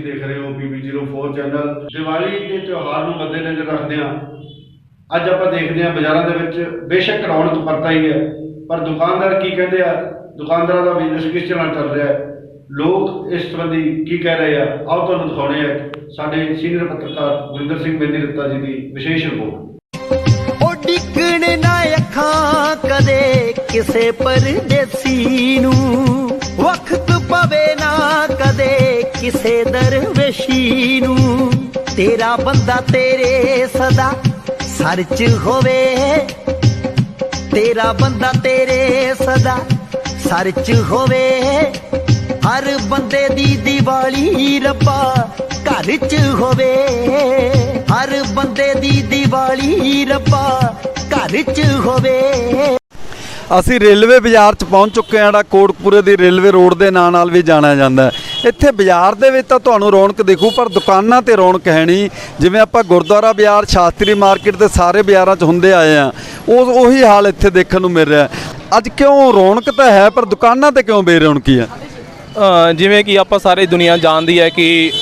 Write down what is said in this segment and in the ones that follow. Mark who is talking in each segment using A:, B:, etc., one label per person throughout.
A: ਤੁਸੀਂ ਦੇਖ ਰਹੇ ਹੋ PB04 ਚੈਨਲ। ਦੀਵਾਲੀ ਦੇ ਤਿਉਹਾਰ ਨੂੰ ਮੱਦੇਨਜ਼ਰ ਰੱਖਦੇ ਹਾਂ ਅੱਜ ਆਪਾਂ ਦੇਖਦੇ ਹਾਂ ਬਾਜ਼ਾਰਾਂ ਦੇ ਵਿੱਚ ਬੇਸ਼ੱਕ ਰੌਣਕ ਪਰਤਾ ਹੀ ਹੈ, ਪਰ ਦੁਕਾਨਦਾਰ ਕੀ ਕਹਿੰਦੇ ਆ, ਦੁਕਾਨਦਾਰਾਂ ਦਾ ਬਿਜ਼ਨਸ ਕਿਸ ਤਰ੍ਹਾਂ ਚੱਲ ਰਿਹਾ ਹੈ, ਲੋਕ ਇਸ ਸੰਬੰਧੀ ਕੀ ਕਹਿ ਰਹੇ ਆ, ਆਓ ਤੁਹਾਨੂੰ ਦਿਖਾਉਣੇ ਆ ਸਾਡੇ ਸੀਨੀਅਰ ਪੱਤਰਕਾਰ ਗੁਰਿੰਦਰ ਸਿੰਘ ਬੇਦੀ ਰੱਤਾ ਜੀ ਦੀ ਵਿਸ਼ੇਸ਼ ਰਿਪੋਰਟ।
B: ਡਿੱਗਣ ਨਾ ਅੱਖਾਂ ਕਦੇ ਕਿਸੇ ਪਰਦੇਸੀ ਨੂੰ, ਵਕਤ ਪਵੇ ਨਾ ਕਦੇ ਕਿਸੇ ਦਰਵੇਸ਼ੀ ਨੂੰ। ਤੇਰਾ ਬੰਦਾ ਤੇਰੇ ਸਦਾ ਸਰ 'ਚ ਹੋਵੇ, ਤੇਰਾ ਬੰਦਾ ਤੇਰੇ ਸਦਾ ਸਰ 'ਚ ਹੋਵੇ। ਹਰ ਬੰਦੇ ਦੀ ਦੀਵਾਲੀ ਰੱਬਾ ਘਰ 'ਚ ਹੋਵੇ, ਹਰ ਬੰਦੇ ਦੀ ਦੀਵਾਲੀ ਰੱਬਾ ਘਰ 'ਚ ਹੋਵੇ।
C: ਅਸੀਂ ਰੇਲਵੇ ਬਾਜ਼ਾਰ 'ਚ ਪਹੁੰਚ ਚੁੱਕੇ ਹਾਂ, ਜਿਹੜਾ ਕੋਟਕਪੂਰੇ ਦੀ ਰੇਲਵੇ ਰੋਡ ਦੇ ਨਾਂ ਨਾਲ ਵੀ ਜਾਣਿਆ ਜਾਂਦਾ ਹੈ। ਇੱਥੇ ਬਾਜ਼ਾਰ ਦੇ ਵਿੱਚ ਤਾਂ ਤੁਹਾਨੂੰ ਰੌਣਕ ਦਿਖੂ, ਪਰ ਦੁਕਾਨਾਂ ਤੇ ਰੌਣਕ ਹੈ ਨਹੀਂ। ਜਿਵੇਂ ਆਪਾਂ ਗੁਰਦੁਆਰਾ ਬਾਜ਼ਾਰ, ਸ਼ਾਸਤਰੀ ਮਾਰਕੀਟ ਤੇ ਸਾਰੇ ਬਾਜ਼ਾਰਾਂ 'ਚ ਹੁੰਦੇ ਆਏ ਆ, ਉਹੀ ਹਾਲ ਇੱਥੇ ਦੇਖਣ ਨੂੰ ਮਿਲ ਰਿਹਾ। ਅੱਜ ਕਿਉਂ ਰੌਣਕ ਤਾਂ ਹੈ, ਪਰ ਦੁਕਾਨਾਂ ਤੇ ਕਿਉਂ ਬੇਰੌਣਕੀ ਹੈ?
D: ਜਿਵੇਂ ਕਿ ਆਪਾਂ ਸਾਰੀ ਦੁਨੀਆ ਜਾਣਦੀ ਹੈ ਕਿ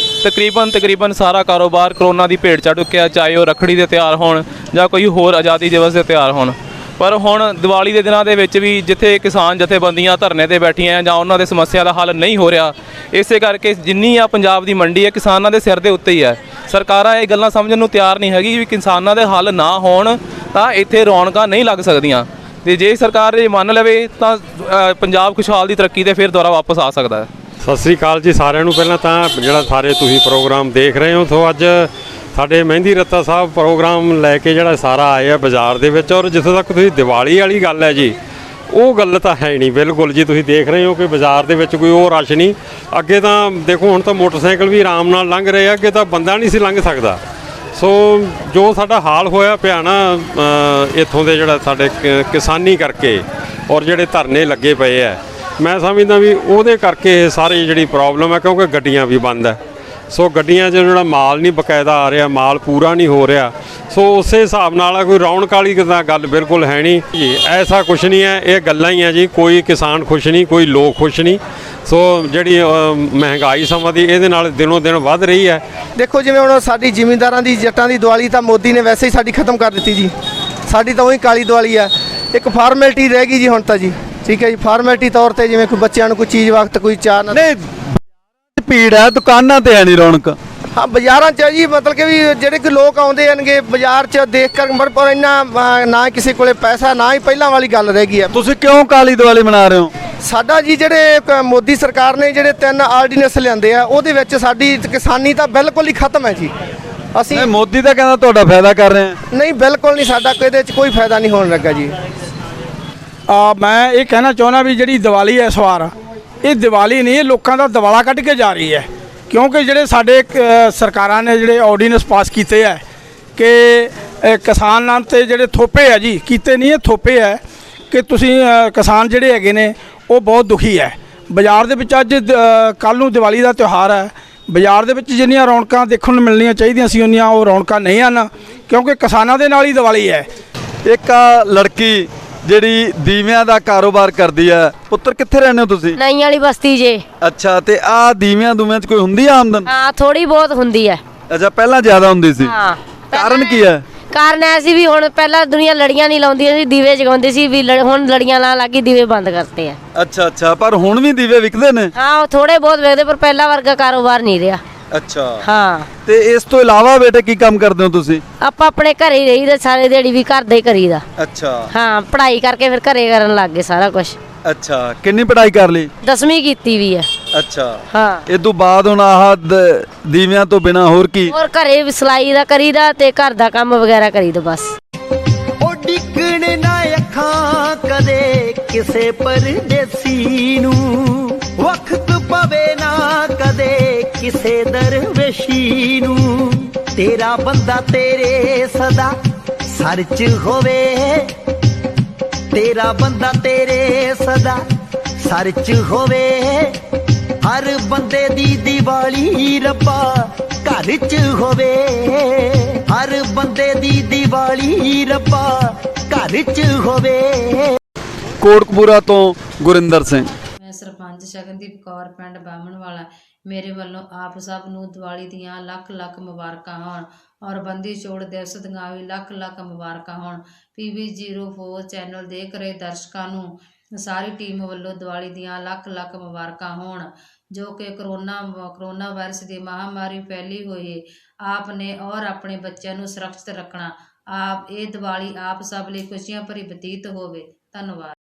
D: ਤਕਰੀਬਨ ਸਾਰਾ ਕਾਰੋਬਾਰ ਕਰੋਨਾ ਦੀ ਭੇਟ ਚੜ੍ਹ ਚੁੱਕਿਆ, ਚਾਹੇ ਉਹ ਰੱਖੜੀ ਦੇ ਤਿਉਹਾਰ ਹੋਣ ਜਾਂ ਕੋਈ ਹੋਰ ਆਜ਼ਾਦੀ ਦਿਵਸ ਦੇ ਤਿਉਹਾਰ ਹੋਣ। ਪਰ ਹੁਣ ਦੀਵਾਲੀ ਦੇ ਦਿਨਾਂ ਦੇ ਵਿੱਚ ਵੀ ਜਿੱਥੇ ਕਿਸਾਨ ਜਥੇਬੰਦੀਆਂ ਧਰਨੇ ਤੇ ਬੈਠੀਆਂ ਜਾਂ ਉਹਨਾਂ ਦੇ ਸਮੱਸਿਆ ਦਾ ਹੱਲ ਨਹੀਂ ਹੋ ਰਿਹਾ, ਇਸੇ ਕਰਕੇ ਜਿੰਨੀ ਆ ਪੰਜਾਬ ਦੀ ਮੰਡੀ ਹੈ ਕਿਸਾਨਾਂ ਦੇ ਸਿਰ ਦੇ ਉੱਤੇ ਹੀ ਹੈ। ਸਰਕਾਰਾਂ ਇਹ ਗੱਲਾਂ ਸਮਝਣ ਨੂੰ ਤਿਆਰ ਨਹੀਂ ਹੈਗੀ ਵੀ ਕਿਸਾਨਾਂ ਦੇ ਹੱਲ ਨਾ ਹੋਣ ਤਾਂ ਇੱਥੇ ਰੌਣਕਾਂ ਨਹੀਂ ਲੱਗ ਸਕਦੀਆਂ, ਤੇ ਜੇ ਸਰਕਾਰ ਇਹ ਮੰਨ ਲਵੇ ਤਾਂ ਪੰਜਾਬ ਖੁਸ਼ਹਾਲ ਦੀ ਤਰੱਕੀ ਤੇ ਫਿਰ ਦੁਬਾਰਾ ਵਾਪਸ ਆ ਸਕਦਾ ਹੈ।
E: ਸਤਿ ਸ੍ਰੀ ਅਕਾਲ ਜੀ ਸਾਰਿਆਂ ਨੂੰ। ਪਹਿਲਾਂ ਤਾਂ ਜਿਹੜਾ ਸਾਰੇ ਤੁਸੀਂ ਪ੍ਰੋਗਰਾਮ ਦੇਖ ਰਹੇ ਹੋ, ਸੋ ਅੱਜ ਸਾਡੇ ਮਹਿੰਦੀ ਰੱਤਾ ਸਾਹਿਬ ਪ੍ਰੋਗਰਾਮ ਲੈ ਕੇ ਜਿਹੜਾ ਸਾਰਾ ਆਏ ਆ ਬਾਜ਼ਾਰ ਦੇ ਵਿੱਚ। ਔਰ ਜਿੱਥੇ ਤੱਕ ਤੁਸੀਂ ਦੀਵਾਲੀ ਵਾਲੀ ਗੱਲ ਹੈ ਜੀ, ਉਹ ਗੱਲ ਤਾਂ ਹੈ ਨਹੀਂ ਬਿਲਕੁਲ ਜੀ। ਤੁਸੀਂ ਦੇਖ ਰਹੇ ਹੋ ਕਿ ਬਾਜ਼ਾਰ ਦੇ ਵਿੱਚ ਕੋਈ ਉਹ ਰਸ਼ ਨਹੀਂ। ਅੱਗੇ ਤਾਂ ਦੇਖੋ ਹੁਣ ਤਾਂ ਮੋਟਰਸਾਈਕਲ ਵੀ ਆਰਾਮ ਨਾਲ ਲੰਘ ਰਹੇ ਆ, ਅੱਗੇ ਤਾਂ ਬੰਦਾ ਨਹੀਂ ਸੀ ਲੰਘ ਸਕਦਾ। ਸੋ ਜੋ ਸਾਡਾ ਹਾਲ ਹੋਇਆ ਪਿਆ ਨਾ ਇੱਥੋਂ ਦੇ ਜਿਹੜਾ ਸਾਡੇ ਕਿਸਾਨੀ ਕਰਕੇ ਔਰ ਜਿਹੜੇ ਧਰਨੇ ਲੱਗੇ ਪਏ ਆ, ਮੈਂ ਸਮਝਦਾ ਵੀ ਉਹਦੇ ਕਰਕੇ ਇਹ ਸਾਰੀ ਜਿਹੜੀ ਪ੍ਰੋਬਲਮ ਹੈ, ਕਿਉਂਕਿ ਗੱਡੀਆਂ ਵੀ ਬੰਦ ਹੈ। ਸੋ ਗੱਡੀਆਂ 'ਚ ਜਿਹੜਾ ਮਾਲ ਨਹੀਂ ਬਕਾਇਦਾ ਆ ਰਿਹਾ, ਮਾਲ ਪੂਰਾ ਨਹੀਂ ਹੋ ਰਿਹਾ। ਸੋ ਉਸੇ ਹਿਸਾਬ ਨਾਲ ਕੋਈ ਰੌਣਕ ਵਾਲੀ ਤਾਂ ਗੱਲ ਬਿਲਕੁਲ ਹੈ ਨਹੀਂ ਜੀ। ਐਸਾ ਕੁਛ ਨਹੀਂ ਹੈ, ਇਹ ਗੱਲਾਂ ਹੀ ਹੈ ਜੀ। ਕੋਈ ਕਿਸਾਨ ਖੁਸ਼ ਨਹੀਂ, ਕੋਈ ਲੋਕ ਖੁਸ਼ ਨਹੀਂ। ਸੋ ਜਿਹੜੀ ਮਹਿੰਗਾਈ ਸਮਾਂ ਦੀ ਇਹਦੇ ਨਾਲ ਦਿਨੋਂ ਦਿਨ ਵੱਧ ਰਹੀ ਹੈ।
F: ਦੇਖੋ ਜਿਵੇਂ ਹੁਣ ਸਾਡੀ ਜ਼ਿਮੀਂਦਾਰਾਂ ਦੀ ਜੱਟਾਂ ਦੀ ਦੀਵਾਲੀ ਤਾਂ ਮੋਦੀ ਨੇ ਵੈਸੇ ਹੀ ਸਾਡੀ ਖਤਮ ਕਰ ਦਿੱਤੀ ਜੀ। ਸਾਡੀ ਤਾਂ ਉਹੀ ਕਾਲੀ ਦੀਵਾਲੀ ਆ, ਇੱਕ ਫਾਰਮੈਲਿਟੀ ਰਹਿ ਗਈ ਜੀ ਹੁਣ ਤਾਂ ਜੀ। ਠੀਕ ਹੈ ਜੀ, ਫਾਰਮੈਲਿਟੀ ਤੌਰ ਤੇ ਜਿਵੇਂ ਕੋਈ ਬੱਚਿਆਂ ਨੂੰ ਕੋਈ ਚੀਜ਼ ਵਕਤ ਕੋਈ ਚਾਹ ਨਾ।
C: ਨਹੀਂ ਭੀੜ ਹੈ, ਦੁਕਾਨਾਂ ਤੇ ਹੈ ਨਹੀਂ ਰੌਣਕ।
F: ਹਾਂ ਬਾਜ਼ਾਰਾਂ 'ਚ ਜੀ, ਮਤਲਬ ਕਿ ਵੀ ਜਿਹੜੇ ਕਿ ਲੋਕ ਆਉਂਦੇ ਆਣਗੇ ਬਾਜ਼ਾਰ 'ਚ ਦੇਖ ਕਰ, ਪਰ ਇੰਨਾ ਨਾ ਕਿਸੇ ਕੋਲੇ ਪੈਸਾ, ਨਾ ਹੀ ਪਹਿਲਾਂ ਵਾਲੀ ਗੱਲ ਰਹਿ ਗਈ ਹੈ।
C: ਤੁਸੀਂ ਕਿਉਂ ਕਾਲੀ ਦੀਵਾਲੀ ਮਨਾ ਰਹੇ ਹੋ?
F: ਸਾਡਾ ਜੀ ਜਿਹੜੇ ਮੋਦੀ ਸਰਕਾਰ ਨੇ ਜਿਹੜੇ 3 ਆਰਡੀਨੈਂਸ ਲਿਆਂਦੇ ਆ, ਉਹਦੇ ਵਿੱਚ ਸਾਡੀ ਕਿਸਾਨੀ ਤਾਂ ਬਿਲਕੁਲ ਹੀ ਖਤਮ ਹੈ ਜੀ। ਅਸੀਂ
C: ਮੋਦੀ ਤਾਂ ਕਹਿੰਦਾ ਤੁਹਾਡਾ ਫਾਇਦਾ ਕਰ ਰਹੇ ਹਾਂ।
F: ਨਹੀਂ, ਬਿਲਕੁਲ ਨਹੀਂ, ਸਾਡਾ ਇਹਦੇ 'ਚ ਕੋਈ ਫਾਇਦਾ ਨਹੀਂ ਹੋਣ ਲੱਗਾ ਜੀ।
G: ਮੈਂ ਇਹ ਕਹਿਣਾ ਚਾਹੁੰਦਾ ਵੀ ਜਿਹੜੀ ਦੀਵਾਲੀ ਹੈ ਇਸ ਵਾਰ, ਇਹ ਦੀਵਾਲੀ ਨਹੀਂ, ਇਹ ਲੋਕਾਂ ਦਾ ਦਿਵਾਲਾ ਕੱਢ ਕੇ ਜਾ ਰਹੀ ਹੈ। ਕਿਉਂਕਿ ਜਿਹੜੇ ਸਾਡੇ ਸਰਕਾਰਾਂ ਨੇ ਜਿਹੜੇ ਆਰਡੀਨੈਂਸ ਪਾਸ ਕੀਤੇ ਹੈ ਕਿ ਕਿਸਾਨਾਂ 'ਤੇ ਜਿਹੜੇ ਥੋਪੇ ਹੈ ਜੀ, ਕੀਤੇ ਨਹੀਂ ਇਹ ਥੋਪੇ ਹੈ ਕਿ ਤੁਸੀਂ ਕਿਸਾਨ ਜਿਹੜੇ ਹੈਗੇ ਨੇ ਉਹ ਬਹੁਤ ਦੁਖੀ ਹੈ। ਬਾਜ਼ਾਰ ਦੇ ਵਿੱਚ ਅੱਜ ਕੱਲ੍ਹ ਨੂੰ ਦੀਵਾਲੀ ਦਾ ਤਿਉਹਾਰ ਹੈ, ਬਾਜ਼ਾਰ ਦੇ ਵਿੱਚ ਜਿੰਨੀਆਂ ਰੌਣਕਾਂ ਦੇਖਣ ਨੂੰ ਮਿਲਣੀਆਂ ਚਾਹੀਦੀਆਂ ਸੀ ਉਨੀਆਂ ਉਹ ਰੌਣਕਾਂ ਨਹੀਂ ਹਨ, ਕਿਉਂਕਿ ਕਿਸਾਨਾਂ ਦੇ ਨਾਲ ਹੀ ਦੀਵਾਲੀ ਹੈ।
C: ਇੱਕ ਲੜਕੀ ਜਿਹੜੀ ਦੀਵਿਆਂ ਦਾ ਕਾਰੋਬਾਰ ਕਰਦੀ ਹੈ, ਪੁੱਤਰ ਕਿੱਥੇ ਰਹਿੰਦੇ ਹੋ ਤੁਸੀਂ?
H: ਨਈ ਵਾਲੀ ਬਸਤੀ ਜੇ।
C: ਅੱਛਾ, ਤੇ ਆ ਦੀਵਿਆਂ ਦੂਵਿਆਂ 'ਚ ਕੋਈ ਹੁੰਦੀ ਆ ਆਮਦਨ?
H: ਹਾਂ ਥੋੜੀ ਬਹੁਤ ਹੁੰਦੀ ਹੈ।
C: ਅੱਛਾ, ਪਹਿਲਾਂ ਜ਼ਿਆਦਾ ਹੁੰਦੀ ਸੀ?
H: ਹਾਂ।
C: ਕਾਰਨ ਕੀ ਹੈ?
H: ਕਾਰਨ ਐ ਸੀ ਵੀ ਹੁਣ ਪਹਿਲਾਂ ਦੁਨੀਆ ਲੜੀਆਂ ਨਹੀਂ ਲਾਉਂਦੀਆਂ ਸੀ, ਦੀਵੇ ਜਗਾਉਂਦੇ ਸੀ, ਵੀ ਹੁਣ ਲੜੀਆਂ ਲਾਉਣ ਲੱਗੀ, ਦੀਵੇ ਬੰਦ ਕਰਤੇ ਆ।
C: ਅੱਛਾ, ਪਰ ਹੁਣ ਵੀ ਦੀਵੇ ਵਿਕਦੇ ਨੇ?
H: ਹਾਂ ਉਹ ਥੋੜੇ ਬਹੁਤ ਵਿਕਦੇ, ਪਰ ਪਹਿਲਾਂ ਵਰਗਾ ਕਾਰੋਬਾਰ ਨਹੀਂ ਰਿਹਾ।
C: ਅੱਛਾ
H: ਹਾਂ।
C: ਤੇ ਇਸ ਤੋਂ ਇਲਾਵਾ ਬੇਟੇ ਕੀ ਕੰਮ ਕਰਦੇ ਹੋ ਤੁਸੀਂ?
H: ਆਪਾਂ ਆਪਣੇ ਘਰੇ ਹੀ ਰਹੀਦਾ, ਸਾਰੇ ਦਿਹਾੜੀ ਵੀ ਘਰ ਦਾ ਹੀ ਕਰੀਦਾ।
C: ਅੱਛਾ।
H: ਹਾਂ, ਪੜ੍ਹਾਈ ਕਰਕੇ ਫਿਰ ਘਰੇ ਕਰਨ ਲੱਗ ਗਏ ਸਾਰਾ ਕੁਝ।
C: ਅੱਛਾ, ਕਿੰਨੀ ਪੜ੍ਹਾਈ ਕਰ ਲਈ?
H: 10ਵੀਂ ਕੀਤੀ ਵੀ ਹੈ।
C: ਅੱਛਾ।
H: ਹਾਂ।
C: ਇਹ ਤੋਂ ਬਾਅਦ ਹੁਣ ਆਹ ਦੀਵਿਆਂ ਤੋਂ ਬਿਨਾ ਹੋਰ ਕੀ?
H: ਹੋਰ ਘਰੇ ਸਿਲਾਈ ਦਾ ਕਰੀਦਾ ਤੇ ਘਰ ਦਾ ਕੰਮ ਵਗੈਰਾ ਕਰੀਦਾ ਬਸ।
B: ਡਿੱਗਣ ਨਾ ਅੱਖਾਂ ਕਦੇ ਕਿਸੇ ਪਰਦੇਸੀ ਨੂੰ, ਵਕਤ ਪਵੇ ਨਾ ਕਦੇ ਕਿਸੇ ਦਰਵੇਸ਼ੀ ਨੂੰ। ਤੇਰਾ ਬੰਦਾ ਤੇਰੇ ਸਦਾ ਸਰ 'ਚ ਹੋਵੇ, ਤੇਰਾ ਬੰਦਾ ਤੇਰੇ ਸਦਾ ਸਰ 'ਚ ਹੋਵੇ। ਹਰ ਬੰਦੇ ਦੀ ਦੀਵਾਲੀ ਰੱਬਾ ਘਰ 'ਚ ਹੋਵੇ, ਹਰ ਬੰਦੇ ਦੀ ਦੀਵਾਲੀ ਰੱਬਾ ਘਰ 'ਚ ਹੋਵੇ।
C: ਕੋਟਕਪੂਰਾ ਤੋਂ ਗੁਰਿੰਦਰ ਸਿੰਘ।
I: ਮੈਂ ਸਰਪੰਚ ਸ਼ਗਨਦੀਪ ਕੌਰ, ਪਿੰਡ ਬਾਹਮਣ ਵਾਲਾ। ਮੇਰੇ ਵੱਲੋਂ ਆਪ ਸਭ ਨੂੰ ਦੀਵਾਲੀ ਦੀਆਂ ਲੱਖ ਲੱਖ ਮੁਬਾਰਕਾਂ ਹੋਣ ਔਰ ਬੰਦੀ ਛੋੜ ਦਿਵਸ ਦੀਆਂ ਵੀ ਲੱਖ ਲੱਖ ਮੁਬਾਰਕਾਂ ਹੋਣ। PB04 ਚੈਨਲ ਦੇਖ ਰਹੇ ਦਰਸ਼ਕਾਂ ਨੂੰ ਸਾਰੀ ਟੀਮ ਵੱਲੋਂ ਦੀਵਾਲੀ ਦੀਆਂ ਲੱਖ ਲੱਖ ਮੁਬਾਰਕਾਂ ਹੋਣ। ਜੋ ਕਿ ਕਰੋਨਾ ਵਾਇਰਸ ਦੀ ਮਹਾਮਾਰੀ ਫੈਲੀ ਹੋਈ ਹੈ, ਆਪ ਨੇ ਔਰ ਆਪਣੇ ਬੱਚਿਆਂ ਨੂੰ ਸੁਰੱਖਿਅਤ ਰੱਖਣਾ। ਆਪ ਇਹ ਦੀਵਾਲੀ ਆਪ ਸਭ ਲਈ ਖੁਸ਼ੀਆਂ ਭਰੀ ਬਤੀਤ ਹੋਵੇ। ਧੰਨਵਾਦ।